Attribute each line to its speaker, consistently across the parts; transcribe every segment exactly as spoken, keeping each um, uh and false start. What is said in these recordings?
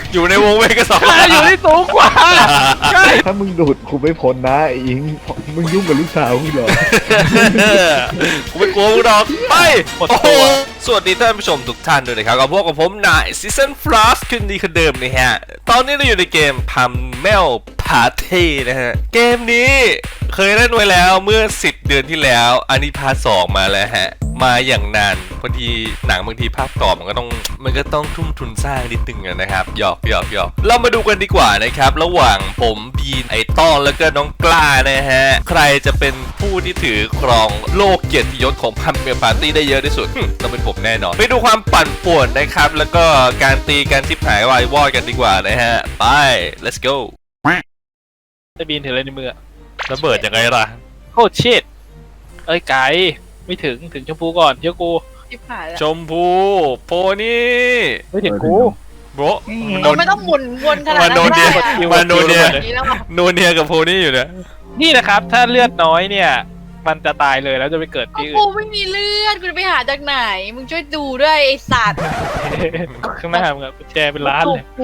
Speaker 1: อยู่ในวงเวกสอง
Speaker 2: ข้าอยู่ที่สูงกว่าใช่
Speaker 3: ถ้ามึงดูดกูไม่พ้นนะไอ้อิงมึงยุ่งกับลูกสาวมึงเหรอ
Speaker 1: กูไม่กลัวมึงหรอกไปโอ้โหสวัสดีท่านผู้ชมทุกท่านด้วยนะครับกับพวกกับผมนายซีซันฟลาสคืนดีคนเดิมนะฮะตอนนี้เราอยู่ในเกมพัมเมลพาร์ตี้นะฮะเกมนี้เคยเล่นไว้แล้วเมื่อสิบเดือนที่แล้วอันนี้พาร์ทสองมาแล้วฮะมาอย่างนานบางทีหนังบางทีภาพต่อมันก็ต้องมันก็ต้องทุ่มทุนสร้างนิดนึงนะครับหยอกหยอกหยอกเรามาดูกันดีกว่านะครับระหว่างผมบีนไอต้อนแล้วก็น้องกล้านะฮะใครจะเป็นผู้ที่ถือครองโลกเกียรติยศของพัมเมลปาร์ตี้ได้เยอะที่สุดต้องเป็นผมแน่นอนไปดูความปั่นป่วนนะครับแล้วก็การตีการทิพหายวายวอดกันดีกว่านะฮะไป let's go
Speaker 2: ไอ้บีนถืออะไรในมือ
Speaker 1: ระเบิดยังไงล่ะ
Speaker 2: โคตรชิดเอ้ยไก่ไม่ถึงถึงชมพูก่อนเชื่อกู
Speaker 4: ชิบหายแล้ว
Speaker 1: ชมพูโพนี่
Speaker 2: ไม่ถึงกู
Speaker 1: โบะ
Speaker 4: เราไม่ต้องหมุนวนขนาด
Speaker 1: มา
Speaker 4: นั้น
Speaker 1: โดนเดีย
Speaker 4: ก็ได้
Speaker 1: มาโดนเดีย
Speaker 4: นี่แล้วอะ
Speaker 1: โนเนียกับโพนี่อยู่เนี่ย
Speaker 2: นี่นะครับถ้าเลือดน้อยเนี่ยมันจะตายเลยแล้วจะไปเกิด
Speaker 4: เอา
Speaker 2: ที่อื่
Speaker 4: กู
Speaker 2: น
Speaker 4: ไม่มีเลือดกูจะไปหาจากไหน มึงช่วยดูด้วยไอสัตว์
Speaker 2: ข้างหน้ามึงอะแชร์เป็นล้านเลย
Speaker 4: กู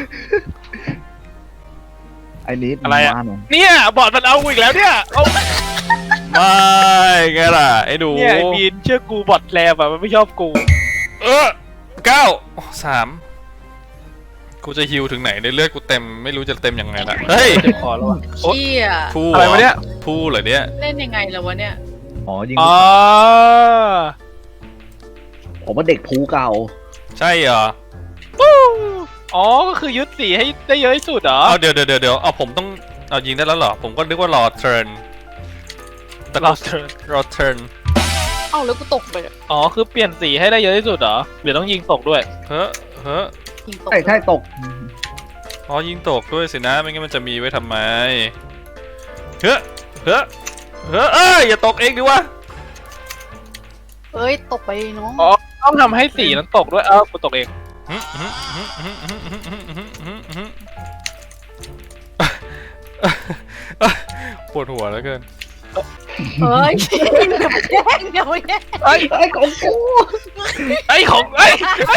Speaker 3: ไอ้นิด
Speaker 2: อะไรอะ
Speaker 3: มาหน่ย
Speaker 2: เนี่ยบอดมันเอากูอีกแล้วเนี่ยเอา
Speaker 1: ไม่ไงล่ะไอ้ดู
Speaker 2: เนี่ยไอ้บีนเชื่อกูบอดแลบอะมันไม่ชอบกู
Speaker 1: เออเก้าสามกูจะฮิวถึงไหนในเลือดกูเต็มไม่รู้จะเต็มยังไงล่ะเฮ้ย
Speaker 2: เจ็บคอแล้วอะ
Speaker 4: เชี่ย
Speaker 1: พู
Speaker 2: อะไรวะเนี่ย
Speaker 1: พูเหรอเนี่ย
Speaker 4: เล่นยังไงแล้ววะเนี่ย
Speaker 3: อ๋อยิง
Speaker 2: อ๋อ
Speaker 3: ผมว่าเด็กภูเก่า
Speaker 1: ใช่เหรอ
Speaker 2: อ๋อก็คือยึดสีให้ได้เยอะที่สุดเหรอ
Speaker 1: เอาเดี๋ยวเดี๋ยวเดี๋ยวเอาผมต้องเอายิงได้แล้วเหรอผมก็นึกว่ารอเทิร์นแต่
Speaker 2: เราเทิร์น
Speaker 1: รอเทิร์น
Speaker 4: เอ้าแล้วกูตกไปอะ
Speaker 2: อ๋อคือเปลี่ยนสีให้ได้เยอะที่สุดเหรอเดี๋ยวต้องยิงตกด้วย
Speaker 1: เฮ้อเฮ้อ
Speaker 4: ยิงตก
Speaker 3: ใช่ใช่ตก
Speaker 1: อ๋อยิงตกด้วยสินะไม่งั้นมันจะมีไว้ทำไมเฮ้อเฮ้อเฮ้อเอ้ยอย่าตกเองดิวะ
Speaker 4: เอ้ยตกไปน้อง
Speaker 2: อ๋อต้องทำให้สีนั้นตกด้วยเอ้ากูตกเอง
Speaker 1: ปวดหัวแล้วเกิน
Speaker 4: เอ้ยอย่ามาแย่งอย่ามาแย่ง
Speaker 2: ไอ้
Speaker 3: ไอ้ของกู
Speaker 2: ไอ้ของไอ้ไอ้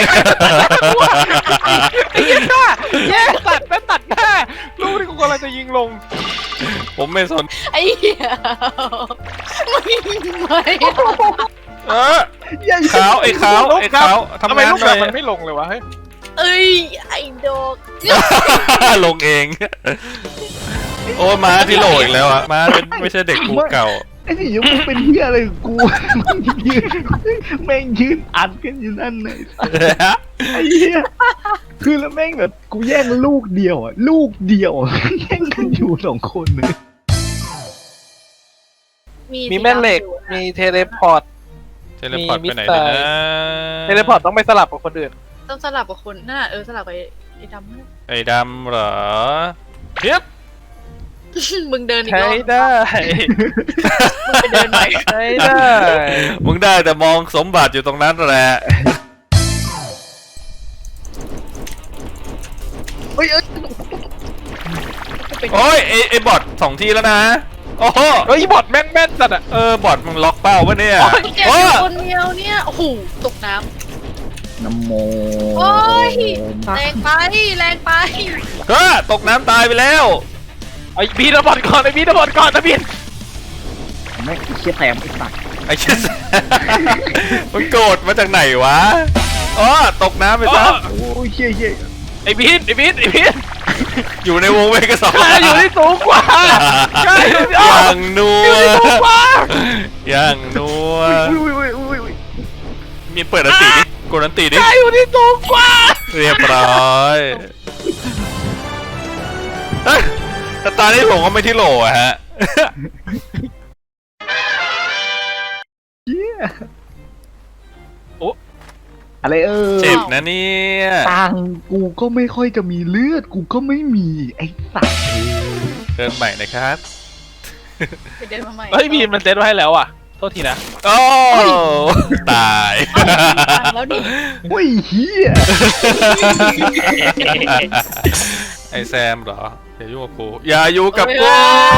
Speaker 2: ไอ้ยิงหน้าแย่ตัดแม่ตัดหน้าลูกที่กูกำลังจะยิงลง
Speaker 1: ผมไม่สน
Speaker 4: ไอ้เหี้ยไม่ไม่
Speaker 1: เออขาวไอ้ขาวไอ้ขาว
Speaker 2: ทำ
Speaker 1: ทำ
Speaker 2: ไม
Speaker 1: งาน
Speaker 2: ลูก
Speaker 1: หน่อย
Speaker 2: มันไม่ลงเลยวะเฮ้ย
Speaker 4: เอ้ยไอ้ดอก
Speaker 1: ลงเองโอ้มาที่โหลอีกแล้วอะมาเป็นไม่ใช่เด็กกูเก่า
Speaker 3: ไอ้นี่ยังมึงเป็นเหี้ยอะไรกับกูมึงยืนแม่งยืนอัดกันอยู่นั่นเลยไอ้เหี้ยคือแล้วแม่งแบบกูแย่งลูกเดียวอ่ะลูกเดียวอะแย่งกันอยู่สองคนเลย
Speaker 2: มีแม่เหล็กมีเทเลพอร์ต
Speaker 1: เทเลพอร์ตไปไหนเนี่ยนะ
Speaker 2: เทเลพอร์ตต้องไปสลับกับคนอื่น
Speaker 4: ต้องสลับกับคนน่ะเออสลับกับไอ้ดำนั่น
Speaker 1: ไอ้ดำเหรอเฮียบ
Speaker 4: มึงเดินอีก
Speaker 2: ใช้
Speaker 4: รอบ
Speaker 2: ได้
Speaker 4: มึงไปเดินใหม่
Speaker 2: ใช้ได้
Speaker 1: มึงได้แต่มองสมบัติอยู่ตรงนั้นแหละ
Speaker 3: เฮ้ยเอ้ย
Speaker 1: โอ้ยไอ้ไอ้บอทสองทีแล้วนะโอ้โห
Speaker 2: เฮ้ยบอดแม่งแม่นสัตว์อะ
Speaker 1: เออบอทมึงล็อกเป้าปะเนี่ย
Speaker 4: แกเป็นคนเดียวเนี่ยโอ้โหตกน้
Speaker 3: น้ำโม
Speaker 4: ำโอ้ยแรงไปแรงไป
Speaker 1: เฮ้ยตกน้ำตายไปแล้ว
Speaker 2: ไอ้บีนบอดก่อนไอ้บีนบอดก่อนนะบีน
Speaker 3: แม่งไอ้เชี่ยแถมไอ้สัตว์
Speaker 1: ไอ้เชี่ย มันโกรธมาจากไหนวะอ๋อตกน้ำไปซะ
Speaker 3: โอ้ยเชี่ยเชี่ย
Speaker 2: ไอ้บีนไอ้บีนไอ้บีน
Speaker 1: อยู่ในวงเวกสอง
Speaker 2: ข้าอยู่ที่สูงกว่าข้าอยู่ที่
Speaker 1: อย่างนัว
Speaker 2: อยู่ที่สูงกว่า
Speaker 1: อย่างนัว
Speaker 3: อุ้ยอุ้ยอุ้ยอุ้ย
Speaker 1: มีเปิดอันตีดิกดอันตีดิ
Speaker 2: ข้าอยู่ที่สูงกว่า
Speaker 1: เรียบร้อยเอ้ยแต่ตอนนี้ผมก็ไม่ที่โหลอะฮะ
Speaker 3: เชี่ยอะไรเออ
Speaker 1: เจ็บนะเนี่ย
Speaker 3: ตังค์กูก็ไม่ค่อยจะมีเลือดกูก็ไม่มีไอ้สัตว์
Speaker 1: เดินใหม่นะครับ
Speaker 4: ไปเดินมาใหม่
Speaker 2: เฮ้ยบีนมันเซ็ตไว้ให้แล้วอ่ะโทษทีนะ
Speaker 1: โอ้ตาย
Speaker 4: เอาแล้วดิ
Speaker 3: โอ้ยเฮีย
Speaker 1: ไอแซมเหรออย่ายุ่งกับกูอย่ายุ่งกับกู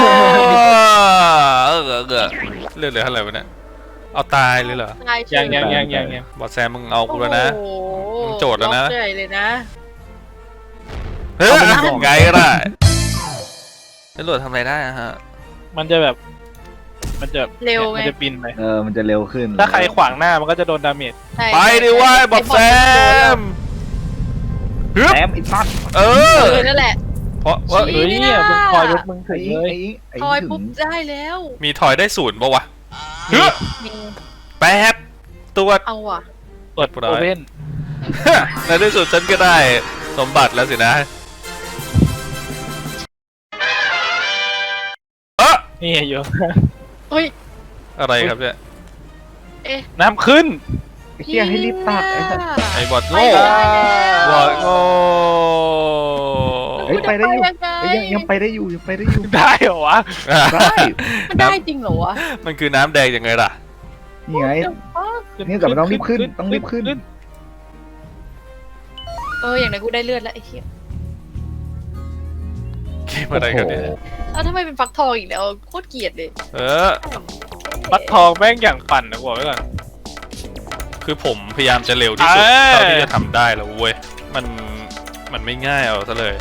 Speaker 1: เออเออเออเลือดเหลือเท่าไหร่วะเนี่ยเอาตายเลยเหรอ
Speaker 4: ตายเฉ
Speaker 2: ยังยังยังยังยัง
Speaker 1: บอสแซมมึงเอากูแล้วนะ
Speaker 4: โอ้โห
Speaker 1: มึงโจทย์แล้วนะ
Speaker 4: ล็อกใหญ่เลยนะ
Speaker 1: เฮ้ยไงล่ะจรวดทำอะไรได้อะฮะ
Speaker 2: มันจะแบบ มันจะ
Speaker 4: เร็วไง
Speaker 2: มันจะบินไป
Speaker 3: เออมันจะเร็วขึ้น
Speaker 2: ถ้าใครขวางหน้ามันก็จะโดนดาเมจ
Speaker 4: ใช่
Speaker 1: ไปดิว่าบอดแซมฮึบ
Speaker 3: แซมไอ้สัตว์
Speaker 1: เอ
Speaker 4: เอ
Speaker 1: อ
Speaker 4: อนั่นแหละ
Speaker 1: เพราะว่า
Speaker 2: เฮ้ยเนี่ยมึงคอยรถมึงถึ
Speaker 3: ไอ้
Speaker 2: ง
Speaker 3: อิง
Speaker 2: เลย
Speaker 3: ไอ้อิงไอ้
Speaker 4: ทอย
Speaker 3: ถึ
Speaker 4: ปุ๊บ
Speaker 3: ง
Speaker 4: ได้แล้ว
Speaker 1: มีทอยได้ศูนย์ปะวะฮึบ
Speaker 4: มี
Speaker 1: แป๊บตัวจ
Speaker 4: เอาว่ะ
Speaker 2: เปิดโอเว่น
Speaker 1: ในที่สุดฉันก็ได้สมบัติแล้วสินะเอะ
Speaker 2: นี่อยู่
Speaker 4: เฮ้ย
Speaker 1: อะไรครับเนี่ย
Speaker 4: เอ๊ะ
Speaker 2: น้ำขึ้น
Speaker 3: ไอ้เหี้ยให้รีบตัดไอ้สัตว์
Speaker 1: ไอ้บอด
Speaker 4: ไม่
Speaker 1: โง่
Speaker 4: ได้
Speaker 1: บอดโง่
Speaker 3: เฮ้ยไปได้อยู่
Speaker 4: ยังไง
Speaker 3: เฮ้ยยังยังไปได้อยู่ยังไปได้อยู่
Speaker 2: ได้เหรอวะ
Speaker 3: ได้
Speaker 4: มันได้จริงเหรอวะ
Speaker 1: มันคือน้ำแดงยังไงล่ะ
Speaker 3: นี่ไง นี่แต่มันต้องรีบขึ้นต้องรีบขึ้น
Speaker 4: เอออย่างไรกูได้เลือดแล้วไอ้เหี้ย
Speaker 1: เกมอะไรกันเนี่ย
Speaker 3: โอ้โห
Speaker 4: แล้วทำไมเป็นฟักทองอีกแล้วโคตรเกลียดเลย
Speaker 1: เออ
Speaker 2: ปักทองแม่งอย่างปั่นนะกูบอกไว้ก่อน
Speaker 1: คือผมพยายามจะเร็วที่สุด
Speaker 2: เอ้ย
Speaker 1: เท่าที่จะทำได้แล้วเว้ย มัน มันไม่ง่ายเอาซะเลย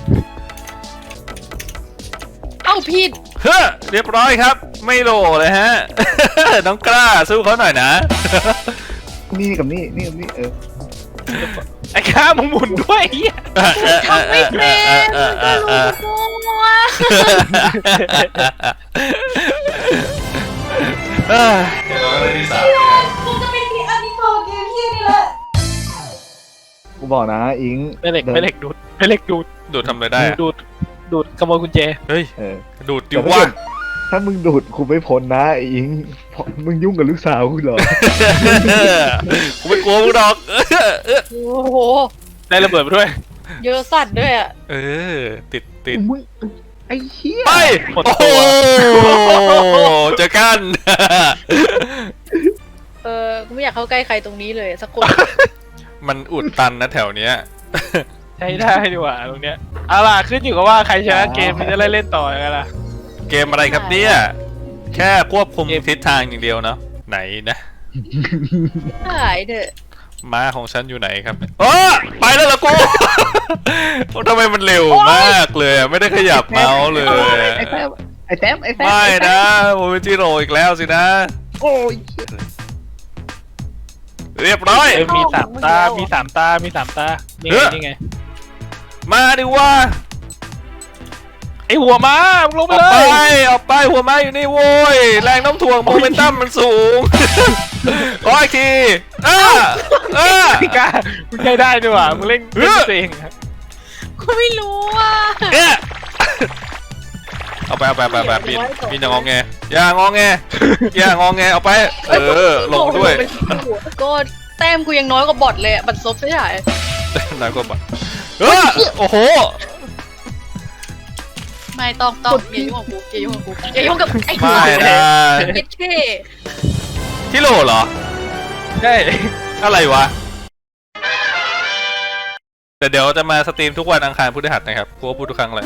Speaker 4: เอ้าผิด
Speaker 1: เฮ้อเรียบร้อยครับ ไม่โหลเลยฮะ น้องกล้าสู้เขาหน่อยนะ
Speaker 3: นี่กับนี่นี่กับนี่เออ
Speaker 2: ไอ้ข้ามึงหมุนด้วยไอ้เหี้ย
Speaker 4: ทำไม่เป็นก็รู้ตัว
Speaker 1: เอ้ยเดี๋ยวเราไปที่สาม
Speaker 4: กูจะเป็นที่อันนี้พอเกมที่นี่แหละ
Speaker 3: กูบอกนะอิง
Speaker 2: ไม่เหล็ก
Speaker 3: ดิน
Speaker 2: ไม่เหล็กดูดไม่เหล็กดูด
Speaker 1: ดูดทำอะไรได้อะ
Speaker 2: ดูดดูดขโมยกุญแจ
Speaker 1: เฮ้ย
Speaker 3: เออ
Speaker 1: ดูดดิ
Speaker 3: แต่ถ้า
Speaker 1: ว่า
Speaker 3: เกิดถ้ามึงดูดกูไม่พ้นนะไอ้อิงเพราะมึงยุ่งกับลูกสาวกูเหรอ
Speaker 1: กูไม่กลัวมึงหรอก
Speaker 4: โอ้โห
Speaker 2: ได้ระเบิดไปด้วย
Speaker 4: เยอะสัตว์ด้วยอ่ะ
Speaker 1: เออ ติดติด
Speaker 3: มึงไอ้เหี้ย
Speaker 1: ไป
Speaker 2: หมด
Speaker 1: โอ้
Speaker 2: ตั
Speaker 1: โห
Speaker 2: ว
Speaker 1: เจอกัน
Speaker 4: เออกูไม่อยากเข้าใกล้ใครตรงนี้เลยสักคน
Speaker 1: มันอุดตันนะแถวเนี้ย
Speaker 2: ใช้ได้ดีกว่าตรงเนี้ยเอาล่ะขึ้นอยู่กับว่าใครชนะเกมมันจะได้เล่นต่อยังไงล่ะ
Speaker 1: เกมอะไรครับเนี่ย แค่ควบคุม
Speaker 2: เกม
Speaker 1: ทิศทางอย่างเดียวเนาะ ไหนนะ
Speaker 4: หายเถอะ
Speaker 1: ม้าของฉันอยู่ไหนครับเออไปแล้วเหรอกู ทำไมมันเร็วมากเลยอะไม่ได้ขยับเมาส์เลย
Speaker 3: ไอ้แซมไอ้แซมไอ้แซม
Speaker 1: ไม่
Speaker 3: อ้แซม
Speaker 1: นะโมเมจิโร่อีกแล้วสินะ
Speaker 3: โอ้ย
Speaker 1: เรียบร้อย
Speaker 2: เอ้ยมีสามตา มีสามตา มีสามตา นี่
Speaker 1: เฮ้
Speaker 2: ไง
Speaker 1: ย
Speaker 2: นี่ไง
Speaker 1: มาดิว่า
Speaker 2: ไอหัวม้ามึงลง
Speaker 1: อ
Speaker 2: ไป
Speaker 1: อก
Speaker 2: เล
Speaker 1: ไป
Speaker 2: ย
Speaker 1: ออกไปหัวไม้อยู่นี่โว้ยแรงน้ำถ่วงโมเมนตัมมันสูง ขออีกทีอ้าอ้า
Speaker 2: พี่กามึงใช้ได้ด้วยว่ะมึงเล่น
Speaker 1: เฮ้
Speaker 2: เล่
Speaker 1: ย
Speaker 2: นตัวเองอะ
Speaker 4: กูไม่รู้อ่ะ
Speaker 1: เนี่ยเอาไปเอาไปเอาไปเอาไปปีนปีนอย่างงอแงอย่างงอแงอย่างงอแงเอาไป เออลงด้วย
Speaker 4: ก็แต้มกูยังน้อยกว่าบอทเลยอะบัตรซบใช่ไหม
Speaker 1: นายก็บอกเออโอ้โห
Speaker 4: ไม่ต้องต้องอย่ายุ่งกับกูอย่ายุ่งกับกูอย่ายุ่งกับไอ้
Speaker 1: ไม่นะ
Speaker 4: เอ็ดเค
Speaker 1: ที่โหลเหรอ
Speaker 2: ใช่
Speaker 1: อะไรวะแต่เดี๋ยวจะมาสตรีมทุกวันอังคารพฤหัสนะครับกูก็พูดทุกครั้งเลย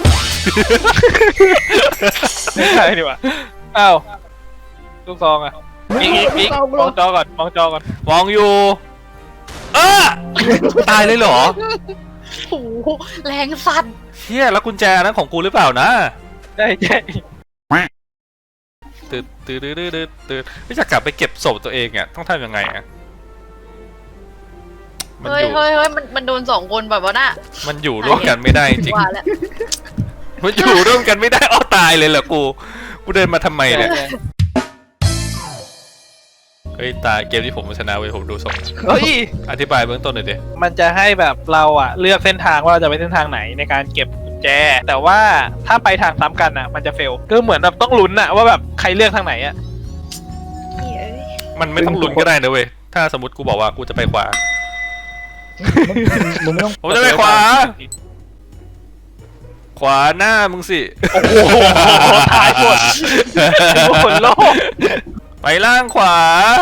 Speaker 2: ไม่ใช่ดีกว่าอ้าวลูกซองอ่ะอีกอีกอีกมองจอก่อนมองจอก่อน
Speaker 1: มองอยู่ เออตายเลยเหรอ
Speaker 4: โอ้โหแรงสั่น
Speaker 1: เชี่ยแล้วกุญแจนั้นของกูหรือเปล่านะ
Speaker 2: ใช่ใช่
Speaker 1: ตื่นตื่นตื่นตื่นตื่นไม่จะกลับไปเก็บศพตัวเองอ่ะต้องทำยังไงอ่ะมัน
Speaker 4: เฮ้
Speaker 1: อย ยู่
Speaker 4: เฮ้ยเฮ้ยมันมันโดนสองคนแบบว่าน่ะ
Speaker 1: มันอยู่ร่วมกันไม่ได้จริง
Speaker 4: ว่าแล้ว
Speaker 1: มันอยู่ร่วมกันไม่ได้อ้อตายเลยเหรอกูกูเดินมาทำไมเนี่ยเฮ้ยตายเกมที่ผมชนะเว้ยผมดูส่งเฮ้ยอธิบายเบื้องต้นหน่อยดิ
Speaker 2: มันจะให้แบบเราอ่ะเลือกเส้นทางว่าเราจะไปเส้นทางไหนในการเก็บกุญแจ แต่ว่าถ้าไปทางซ้ำกันอ่ะ มันจะเฟลก็เหมือนแบบต้องลุ้นอ่ะว่าแบบใครเลือกทางไหนอ่ะ
Speaker 4: เฮ้ย
Speaker 1: มันไม่ต้องลุ้นก็ได้นะเว้ยถ้าสมมติกูบอกว่ากูจะไปขวา
Speaker 3: มึงไม่ต้อง
Speaker 1: ผมจะไปขวา ขวาหน้ามึงสิ
Speaker 2: โอ้โหตายหมดทุกคนโลก
Speaker 1: ไปล่างขวา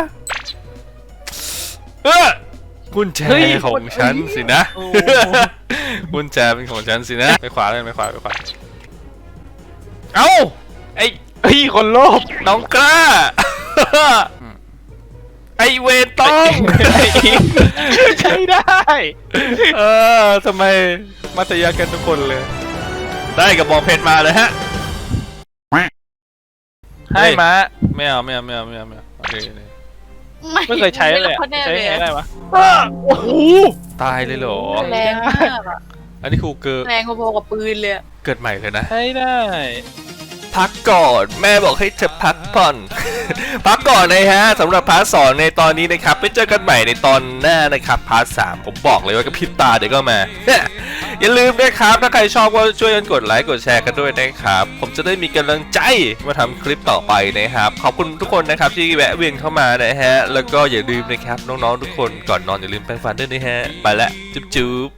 Speaker 1: เออกุญแจของฉันสินะ
Speaker 2: โอ้
Speaker 1: กุญแจเป็นของฉันสินะไปขวาเลยไปขวาไปขวาเอ้าไอ้
Speaker 2: เฮ้ยคนโลภ
Speaker 1: น้องกล้า ไอไอเวนต้อง
Speaker 2: ใช้ได้
Speaker 1: เออทำไมมัธยากันทุกคนเลย ได้กับบองเพชรมาเลยฮะ
Speaker 2: ให้มา
Speaker 1: ไม่เอาไม่เอาไม่เอาไม่เอาไม่เอาโอเคเลย
Speaker 2: ไม่เคยใช้เลย
Speaker 4: ไม่
Speaker 2: ใช้
Speaker 4: ใช้
Speaker 2: ไง
Speaker 4: เลย
Speaker 2: ได้
Speaker 4: อะ
Speaker 2: ปะโอ้โห
Speaker 1: ตายเลยเหรอ
Speaker 4: แรงมากอะ
Speaker 1: อันนี้ครูเกิด
Speaker 4: แรงพอๆกับปืนเลยอะ
Speaker 1: เกิดใหม่เลยนะ
Speaker 2: ใช้ได้
Speaker 1: พักก่อนแม่บอกให้เธอพักผ่อน พักก่อนนะฮะสำหรับพาร์ทสองในตอนนี้นะครับไปเจอกันใหม่ในตอนหน้านะครับพาร์ทสามผมบอกเลยว่ากระพริบตาเดี๋ยวก็มา อย่าลืมนะครับถ้าใครชอบก็ช่วยกันกดไลค์กดแชร์กันด้วยนะครับผมจะได้มีกำลังใจมาทำคลิปต่อไปนะครับขอบคุณทุกคนนะครับที่แวะเวียนเข้ามานะฮะแล้วก็อย่าลืมนะครับน้องๆทุกคนก่อนนอนอย่าลืมแปรงฟันด้วยนะฮะไปละจุ๊บจุ๊บ